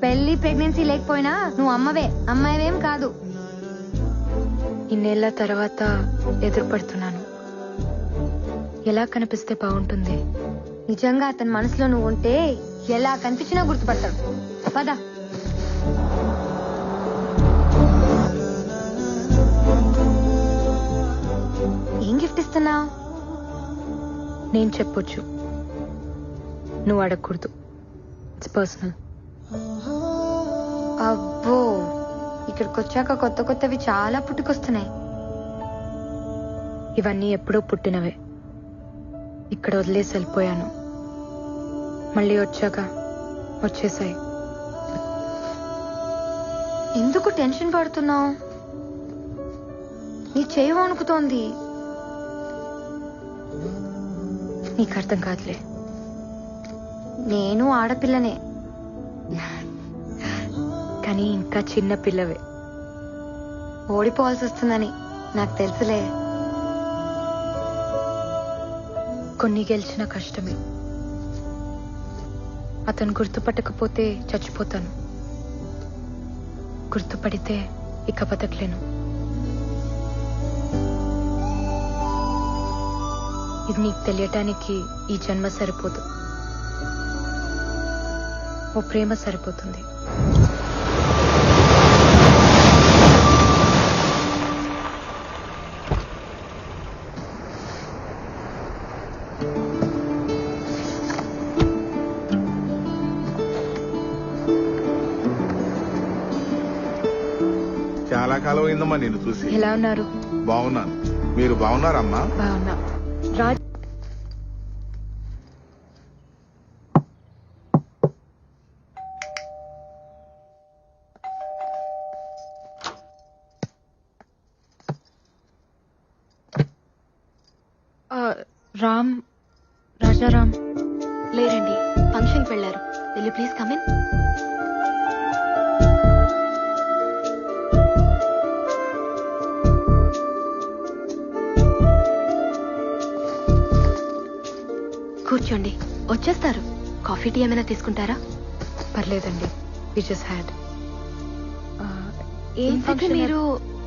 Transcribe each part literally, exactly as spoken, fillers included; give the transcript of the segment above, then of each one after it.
పెళ్లి ప్రెగ్నెన్సీ లేకపోయినా నువ్వు అమ్మవే, అమ్మాయివేం కాదు. ఇన్నేళ్ల తర్వాత ఎదురుపడుతున్నాను. ఎలా కనిపిస్తే బాగుంటుంది? నిజంగా అతని మనసులో నువ్వు ఉంటే ఎలా కనిపించినా గుర్తుపడతాడు. పద. ఏం గిఫ్ట్ ఇస్తున్నావు? నేను చెప్పొచ్చు, నువ్వు అడగకూడదు. It's personal. అబ్బో, ఇక్కడికి వచ్చాక కొత్త కొత్తవి చాలా పుట్టుకొస్తున్నాయి. ఇవన్నీ ఎప్పుడో పుట్టినవే. ఇక్కడ వదిలేసి వెళ్ళిపోయాను, మళ్ళీ వచ్చాక వచ్చేసాయి. ఎందుకు టెన్షన్ పడుతున్నావు? నీ చేయి వణుకుతోంది. నీకు అర్థం కాదులే. నేను ఆడపిల్లనే, కానీ ఇంకా చిన్న పిల్లవే. ఓడిపోవాల్సి వస్తుందని నాకు తెలుసులే. కొన్ని గెలిచిన కష్టమే. అతను గుర్తుపట్టకపోతే చచ్చిపోతాను, గుర్తుపడితే ఇక బతకలేను. ఇది నీకు తెలియటానికి ఈ జన్మ సరిపోదు, ఓ ప్రేమ సరిపోతుంది. చాలా కాలం అయిందమ్మా నేను చూసి. ఎలా ఉన్నారు? బాగున్నాను, మీరు బాగున్నారమ్మా? బాగున్నా. రాజ్ రామ్ రాజారాం లేరండి, ఫంక్షన్కి వెళ్లారు. Will you please come in? కూర్చోండి, వచ్చేస్తారు. కాఫీ టీ ఏమైనా తీసుకుంటారా? పర్లేదండి, వి జస్ట్ హ్యాడ్. ఏంటంటే మీరు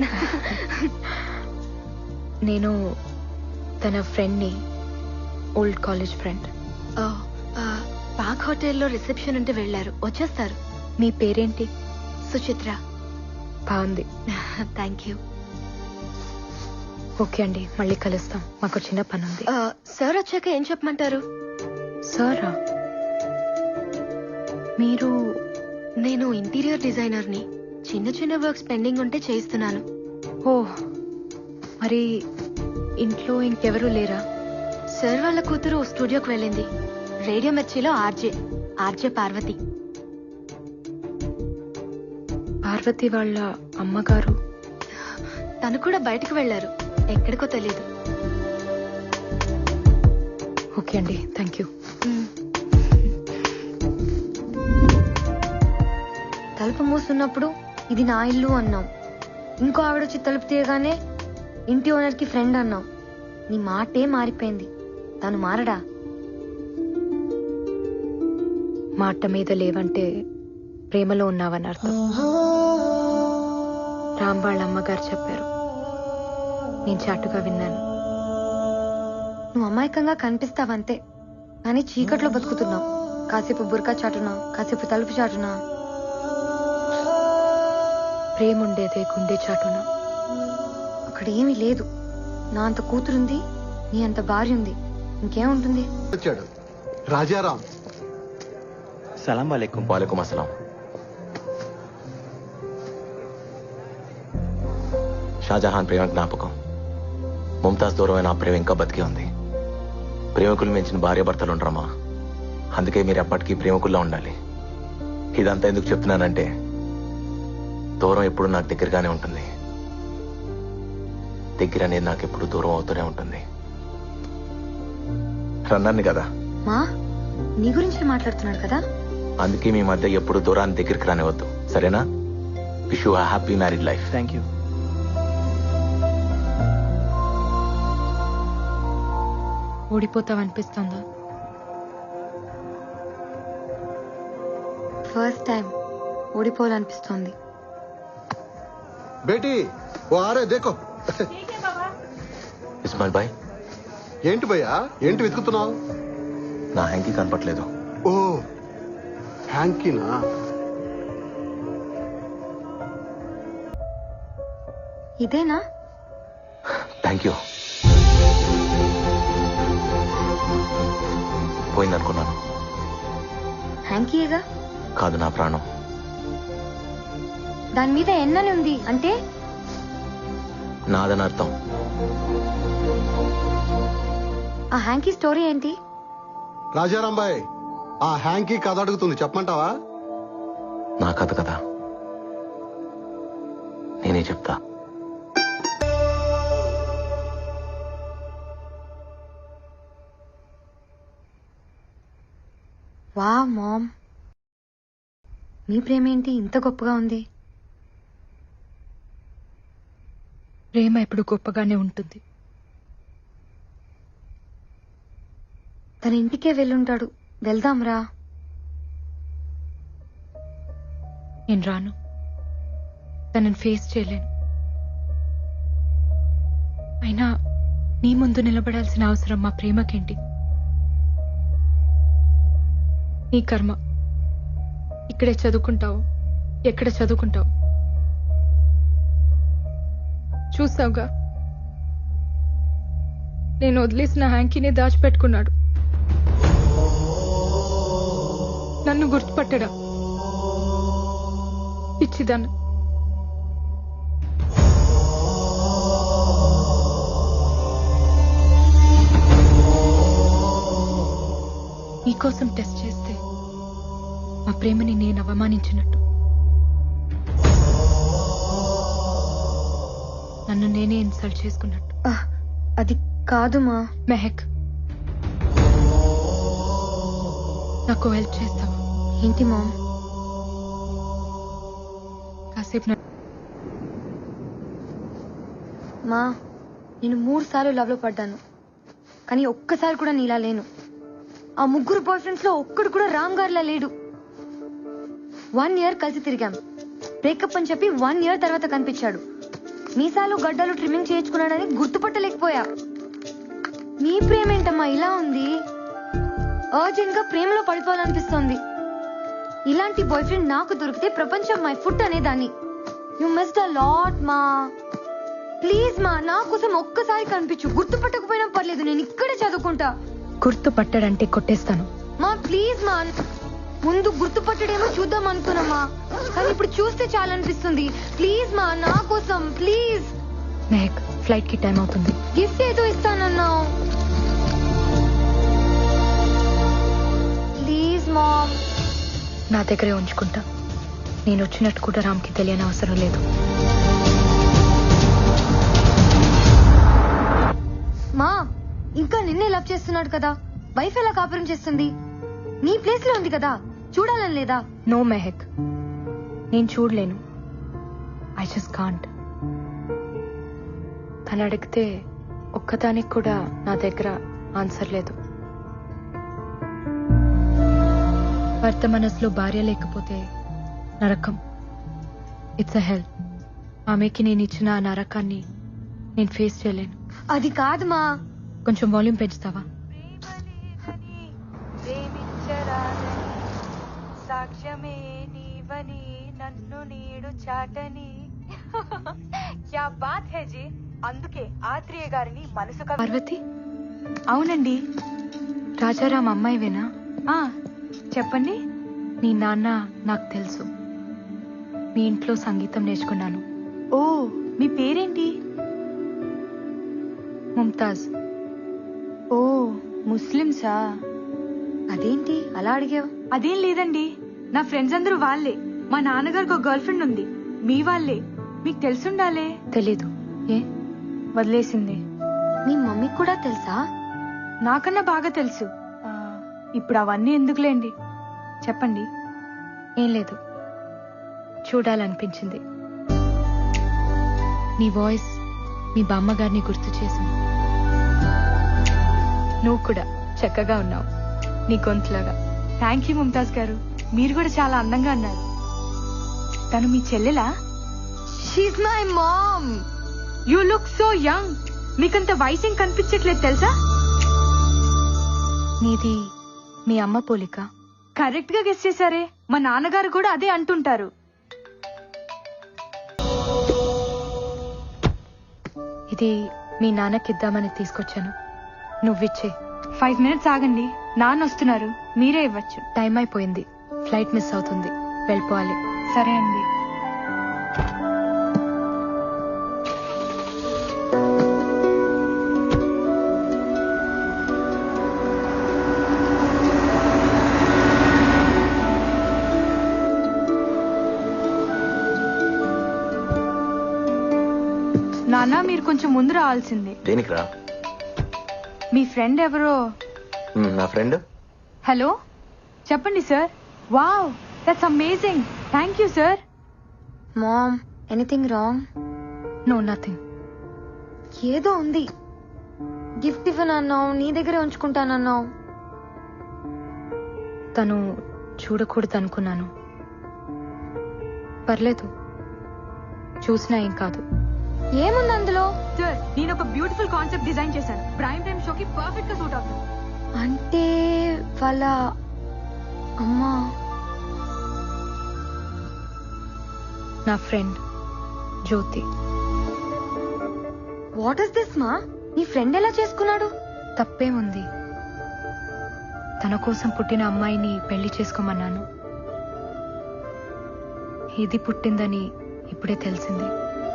నేను తన ఫ్రెండ్ని, ఓల్డ్ కాలేజ్ ఫ్రెండ్. పాక్ హోటల్లో రిసెప్షన్ ఉంటే వెళ్లారు, వచ్చేస్తారు. మీ పేరేంటి? సుచిత్ర. బాగుంది. Thank you. ఓకే అండి, మళ్ళీ కలుస్తాం, మాకు చిన్న పని ఉంది. సార్ వచ్చాక ఏం చెప్పమంటారు? సారా? మీరు? నేను ఇంటీరియర్ డిజైనర్ని. చిన్న చిన్న వర్క్స్ పెండింగ్ ఉంటే చేయిస్తున్నాను. ఓ, మరి ఇంట్లో ఇంకెవరూ లేరా? సార్ వాళ్ళ కూతురు స్టూడియోకి వెళ్ళింది. రేడియో మిర్చిలో ఆర్జే ఆర్జే పార్వతి. పార్వతి వాళ్ళ అమ్మగారు? తను కూడా బయటకు వెళ్లారు, ఎక్కడికో తెలియదు. ఓకే అండి, థ్యాంక్ యూ. తలుపు మూసున్నప్పుడు ఇది నా ఇల్లు అన్నాం. ఇంకో ఆవిడ వచ్చి తలుపు తీయగానే ఇంటి ఓనర్ కి ఫ్రెండ్ అన్నాం. నీ మాటే మారిపోయింది. తను మారడా? మాట మీద లేవంటే ప్రేమలో ఉన్నావని అర్థం. రామ్ వాళ్ళ అమ్మగారు చెప్పారు, నేను చాటుగా విన్నాను. నువ్వు అమాయకంగా కనిపిస్తావంతే, కానీ చీకట్లో బతుకుతున్నావు. కాసేపు బుర్కా చాటునా, కాసేపు తలుపు చాటునా. ప్రేమ ఉండేదే గుండె చాటున. అక్కడ ఏమీ లేదు. నా అంత కూతురుంది, నీ అంత భార్య ఉంది, ఇంకేముంటుంది? వచ్చాడు రాజారాం. సలాం వాలేకుం. వాలేకుం అస్సలాం. షాజహాన్ ప్రేమ జ్ఞాపకం. ముంతాజ్ దూరమైన ఆ ప్రేమ ఇంకా బతికే ఉంది. ప్రేమికులు మించిన భార్య భర్తలు ఉండరమ్మా. అందుకే మీరు ఎప్పటికీ ప్రేమికుల్లో ఉండాలి. ఇదంతా ఎందుకు చెప్తున్నానంటే, దూరం ఎప్పుడు నాకు దగ్గరగానే ఉంటుంది, దగ్గర అనేది నాకు ఎప్పుడు దూరం అవుతూనే ఉంటుంది. రన్నర్ని కదా, మా నీ గురించి మాట్లాడుతున్నాడు కదా. అందుకే మీ మధ్య ఎప్పుడు దూరాన్ని దగ్గరికి రానివద్దు, సరేనా? Wish you happy married life. Thank you. ఓడిపోతావనిపిస్తుందా? ఫస్ట్ టైం ఓడిపోవాలనిపిస్తోంది. బేటీ ఓ ఆరే దేకో. ఇస్మాయిల్ బాయ్, ఏంటి భయ్యా, ఏంటి వెతుకుతున్నావు? నా హ్యాంకీ కనపట్లేదు. ఓ హ్యాంకీనా? ఇదేనా? Thank you. పోయిందనుకున్నాను. హ్యాంకీయేగా. కాదు, నా ప్రాణం. దాని మీద ఎన్నని ఉంది అంటే? నాదని అర్థం. ఆ హ్యాంకీ స్టోరీ ఏంటి? రాజారాం బాయ్, ఆ హ్యాంకీ కథ అడుగుతుంది, చెప్పమంటావా? నా కథ కదా, నేనే చెప్తా. వా మామ్, మీ ప్రేమేంటి ఇంత గొప్పగా ఉంది? ప్రేమ ఎప్పుడు గొప్పగానే ఉంటుంది. తన ఇంటికే వెళ్ళుంటాడు, వెళ్దాంరా. నేను రాను. తనని ఫేస్ చేయలేను. అయినా నీ ముందు నిలబడాల్సిన అవసరం మా ప్రేమకేంటి? నీ కర్మ. ఇక్కడే చదువుకుంటావు, ఎక్కడ చదువుకుంటావు చూసావుగా. నేను వదిలేసిన హ్యాంకీని దాచిపెట్టుకున్నాడు. నన్ను గుర్తుపట్టడా? పిచ్చిదాన్ని. నీకోసం టెస్ట్ చేస్తే మా ప్రేమని నేను అవమానించినట్టు, నన్ను నేనే ఇన్సల్ట్ చేసుకున్నట్టు. ఆహ్, అది కాదు మా. మెహక్, నాకు హెల్ప్ చేస్తావా? ఏంటి మామ్? కాసేపు నా- మా, నేను మూడు సార్లు లవ్ లో పడ్డాను, కానీ ఒక్కసారి కూడా నీలా లేను. ఆ ముగ్గురు బాయ్ ఫ్రెండ్స్ లో ఒక్కడు కూడా రామ్ గారిలా లేడు. వన్ ఇయర్ కలిసి తిరిగాం. బ్రేకప్ అని చెప్పి వన్ ఇయర్ తర్వాత కనిపించాడు. మీసాలు గడ్డలు ట్రిమ్మింగ్ చేయించుకున్నాడని గుర్తుపట్టలేకపోయా. మీ ప్రేమ ఏంటమ్మా ఇలా ఉంది? అర్జెంట్ గా ప్రేమలో పడిపోవాలనిపిస్తోంది. ఇలాంటి బాయ్ ఫ్రెండ్ నాకు దొరికితే ప్రపంచం మై ఫుట్ అనేదాన్ని. యు మిస్డ్ అ లాట్ మా. ప్లీజ్ మా, నా కోసం ఒక్కసారి కనిపించు. గుర్తుపట్టకపోయినా పర్లేదు, నేను ఇక్కడే చదువుకుంటా. గుర్తు పట్టాడంటే కొట్టేస్తాను. మా ప్లీజ్ మా. ముందు గుర్తుపట్టడేమో చూద్దాం అనుకున్నామా, కానీ ఇప్పుడు చూస్తే చాలా అనిపిస్తుంది. ప్లీజ్ మా, నా కోసం ప్లీజ్. మెహక్, ఫ్లైట్ కి టైం అవుతుంది. గిఫ్ట్ ఏదో ఇస్తానన్నావు. Please ma'am. నా దగ్గరే ఉంచుకుంటా. నేను వచ్చినట్టు కూడా రామ్కి తెలియని అవసరం లేదు. మా, ఇంకా నిన్నే లవ్ చేస్తున్నాడు కదా, వైఫ్ ఎలా కాపురం చేస్తుంది? నీ ప్లేస్ లో ఉంది కదా, చూడాలని లేదా? నో మెహక్, నేను చూడలేను. I just can't. తను అడిగితే ఒక్కదానికి కూడా నా దగ్గర ఆన్సర్ లేదు. భర్త మనసులో భార్య లేకపోతే నరకం. It's a hell. ఆమెకి నేను ఇచ్చిన ఆ నరకాన్ని నేను ఫేస్ చేయలేను. అది కాదు మా. కొంచెం వాల్యూమ్ పెంచుతావా? సాక్ష్యమే నీవని నన్ను నీడు చాటని. క్యా బాత్ హై జీ. అందుకే ఆత్రేయ గారిని మనసు కవి. పార్వతి, అవునండి. రాజారాం అమ్మాయివేనా? ఆ చెప్పండి. నీ నాన్న నాకు తెలుసు. మీ ఇంట్లో సంగీతం నేర్చుకున్నాను. ఓ, మీ పేరేంటి? ముంతాజ్. ఓ, ముస్లిమ్సా? అదేంటి అలా అడిగావు? అదేం లేదండి, నా ఫ్రెండ్స్ అందరూ వాళ్ళే. మా నాన్నగారికి ఒక గర్ల్ ఫ్రెండ్ ఉంది, మీ వాళ్ళే. మీకు తెలుసుండాలే. తెలీదు. ఏ? వదిలేసింది. మీ మమ్మీకి కూడా తెలుసా? నాకన్నా బాగా తెలుసు. ఆ, ఇప్పుడు అవన్నీ ఎందుకులేండి, చెప్పండి. ఏం లేదు, చూడాలనిపించింది. నీ వాయిస్ మీ బామ్మగారిని గుర్తు చేసింది. నువ్వు కూడా చక్కగా ఉన్నావు, నీ గొంతులాగా. థ్యాంక్ యూ ముంతాజ్ గారు, మీరు కూడా చాలా అందంగా అన్నారు. తను మీ చెల్లెలా? She's my mom. You look so young. మీకంత వయసేం కనిపించట్లేదు తెలుసా? నీది మీ అమ్మ పోలిక. కరెక్ట్ గా గెస్ చేశారే. మా నాన్నగారు కూడా అదే అంటుంటారు. ఇది మీ నాన్నకిద్దామని తీసుకొచ్చాను, నువ్విచ్చే. ఫైవ్ మినిట్స్ ఆగండి, నాన్న వస్తున్నారు, మీరే ఇవ్వచ్చు. టైం అయిపోయింది, ఫ్లైట్ మిస్ అవుతుంది, వెళ్ళిపోవాలి. సరే అండి. నాన్న మీరు కొంచెం ముందు రావాల్సిందే. దేనికి రా? మీ ఫ్రెండ్ ఎవరో. మ్, నా ఫ్రెండ్. హలో చెప్పండి sir. Wow that's amazing. Thank you sir. Mom, anything wrong? No, nothing. ఏదో ఉంది. గిఫ్ట్ ఇవ్వనన్నావు, నీ దగ్గరే ఉంచుకుంటానన్నావు. తను చూడకూడదు అనుకున్నాను. పర్లేదు, చూసినా ఏం కాదు. ఏముంది అందులో? సార్ నేను ఒక బ్యూటిఫుల్ కాన్సెప్ట్ డిజైన్ చేశాను. ప్రైమ్ టైమ్ షోకి పర్ఫెక్ట్ గా సూట్ అవుతుంది. అంటే వాళ్ళ అమ్మా. నా ఫ్రెండ్ జ్యోతి. వాట్ ఇస్ దిస్ మా? నీ ఫ్రెండ్ ఎలా చేసుకున్నాడు? తప్పేముంది, తన కోసం పుట్టిన అమ్మాయిని పెళ్లి చేసుకోమన్నాను. ఇది పుట్టిందని ఇప్పుడే తెలిసింది.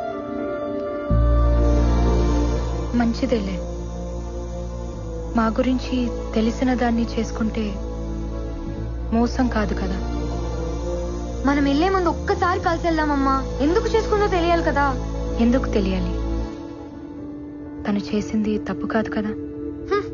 మంచిదేలే, మా గురించి తెలిసిన దాన్ని చేసుకుంటే మోసం కాదు కదా. మనం వెళ్లే ముందు ఒక్కసారి కలిసి వెళ్దామమ్మా. ఎందుకు చేసుకుందో తెలియాలి కదా. ఎందుకు తెలియాలి? తను చేసింది తప్పు కాదు కదా. హ్మ్.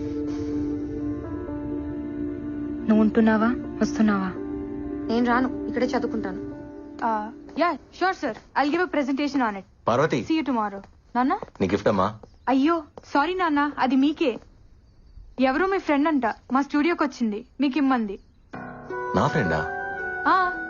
నువ్వు ఉంటున్నావా, వస్తున్నావా? నేను రాను, ఇక్కడే చదువుకుంటాను. Yeah sure sir, I'll give a presentation on it. Parvati, see you tomorrow. నాన్న. నీ గిఫ్ట్ అమ్మా. అయ్యో సారీ నాన్న, అది మీకే. ఎవరో మీ ఫ్రెండ్ అంట మా స్టూడియోకి వచ్చింది, మీకు ఇమ్మంది. నా ఫ్రెండా? ఆ